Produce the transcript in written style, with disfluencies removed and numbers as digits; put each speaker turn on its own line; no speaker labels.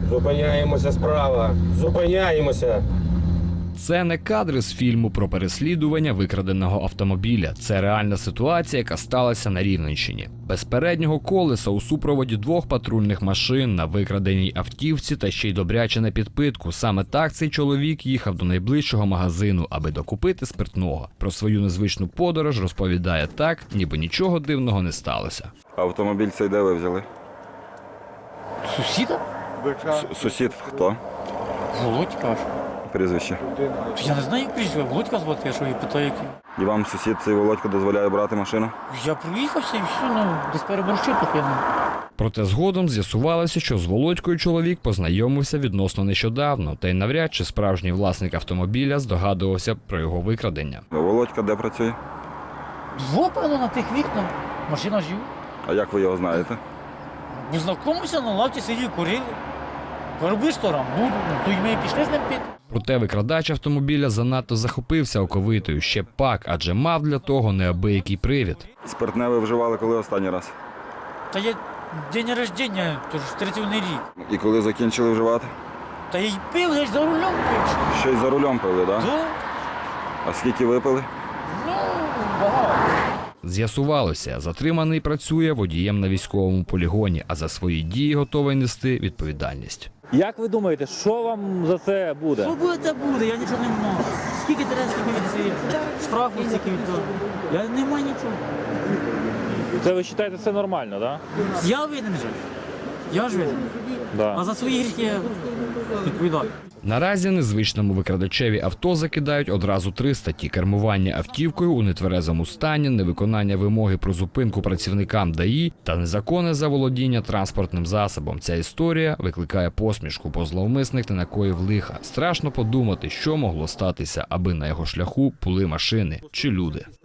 Зупиняємося справа. Зупиняємося.
Це не кадри з фільму про переслідування викраденого автомобіля. Це реальна ситуація, яка сталася на Рівненщині. Без переднього колеса у супроводі 2 патрульних машин на викраденій автівці та ще й добряче на підпитку. Саме так цей чоловік їхав до найближчого магазину, аби докупити спиртного. Про свою незвичну подорож розповідає так, ніби нічого дивного не сталося.
Автомобіль цей де ви взяли?
Сусіда?
Сусід хто?
Володька аж.
Прізвище.
Я не знаю, як прізвище. Володька звати, я що її питаю, який.
І вам сусід цей Володько дозволяє брати машину?
Я проїхався і все, ну, десь переборщив трохи.
Проте згодом з'ясувалося, що з Володькою чоловік познайомився відносно нещодавно, та й навряд чи справжній власник автомобіля здогадувався про його викрадення.
Володька де працює?
Певно, на тих вікнах. Машина жив.
А як ви його знаєте?
Ми знайомилися, на лавці сиділи, курили. Робиш то буду, то й ми пішли з ним пити.
Проте викрадач автомобіля занадто захопився оковитою, ще пак, адже мав для того неабиякий привід.
Спиртне ви вживали коли останній раз?
Та я день рождення, тож 31 рік.
І коли закінчили вживати?
Та я й пив, я ж за рулем пив.
Ще й за рулем пили, так?
Да?
А скільки випили?
Ну, багато.
З'ясувалося, затриманий працює водієм на військовому полігоні, а за свої дії готовий нести відповідальність.
Як ви думаєте, що вам за це буде?
Що буде, те буде, я нічого не маю. Скільки треба, скільки від цієї штрафу, скільки від того. Я не маю нічого.
Це ви вважаєте, це нормально, так?
Я винен же. Я ж винен.
Да?
А за свої гріхи я відповідаю.
Наразі незвичному викрадачеві авто закидають одразу 3 статті: кермування автівкою у нетверезому стані, невиконання вимоги про зупинку працівникам ДАІ та незаконне заволодіння транспортним засобом. Ця історія викликає посмішку, бо зловмисник не накоїв лиха. Страшно подумати, що могло статися, аби на його шляху були машини чи люди.